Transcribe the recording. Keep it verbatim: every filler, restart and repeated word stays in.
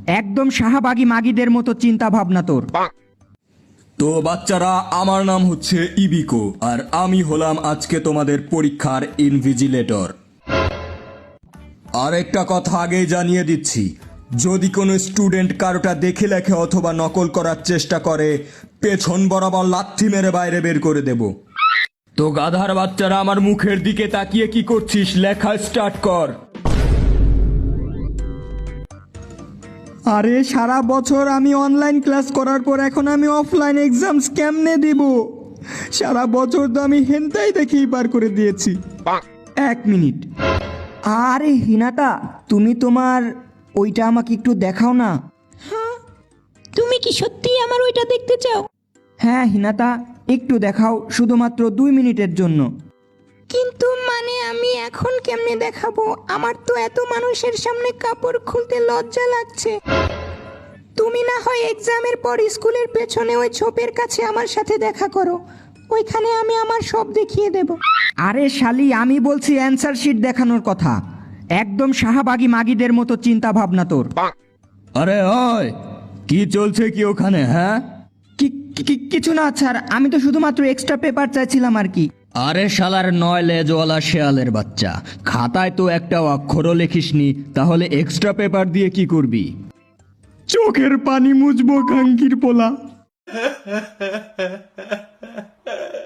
একদম শাহবাগী মাগিদের মতো চিন্তা ভাবনা তোর। তো বাচ্চারা, আমার নাম হচ্ছে ইবিকো আর আমি হলাম আজকে তোমাদের পরীক্ষার ইনভিজিলেটর। আর একটা কথা আগেই জানিয়ে দিচ্ছি, যদি কোনো স্টুডেন্ট কারোটা দেখে লেখে অথবা নকল করার চেষ্টা করে, পেছন বরাবর লাথি মেরে বাইরে বের করে দেব। তো গাধার বাচ্চারা, আমার মুখের দিকে তাকিয়ে কি করছিস? লেখা স্টার্ট কর। আরে সারা বছর আমি অনলাইন ক্লাস করার পর এখন আমি অফলাইন এক্সামস কেমনে দিব? সারা বছর তো আমি হেনতাই দেখেই পার করে দিয়েছি। এক মিনিট। আরে হিনাটা, তুমি তোমার ওইটা আমাকে একটু দেখাও না। হ্যাঁ, তুমি কি সত্যি আমার ওইটা দেখতে চাও? হ্যাঁ হিনাতা, একটু দেখাও, শুধুমাত্র দুই মিনিটের জন্য। কিন্তু মানে আমি এখন কেমনে দেখাবো? আমার তো এত মানুষের সামনে কাপড় খুলতে লজ্জা লাগছে। তুমি না হয় এক্সামের পর স্কুলের পেছনে ওই ঝোপের কাছে আমার সাথে দেখা করো, ওইখানে আমি আমার সব দেখিয়ে দেব। আরে শালি, আমি বলছি অ্যান্সার শিট দেখানোর কথা। একদম শাহবাগী মাগিদের মতো চিন্তা ভাবনা তোর। আরে ওই, কি চলছে কি ওখানে? হ্যাঁ, কি কি- কিছু না স্যার, আমি তো শুধুমাত্র এক্সট্রা পেপার চাইছিলাম আর কি। আরে শালার নয় লেজওয়ালা শেয়ালের বাচ্চা, খাতায় তো একটা অক্ষরও লেখিসনি, তাহলে এক্সট্রা পেপার দিয়ে কি করবি? চোখের পানি মুছবো কাঙ্কির পোলা।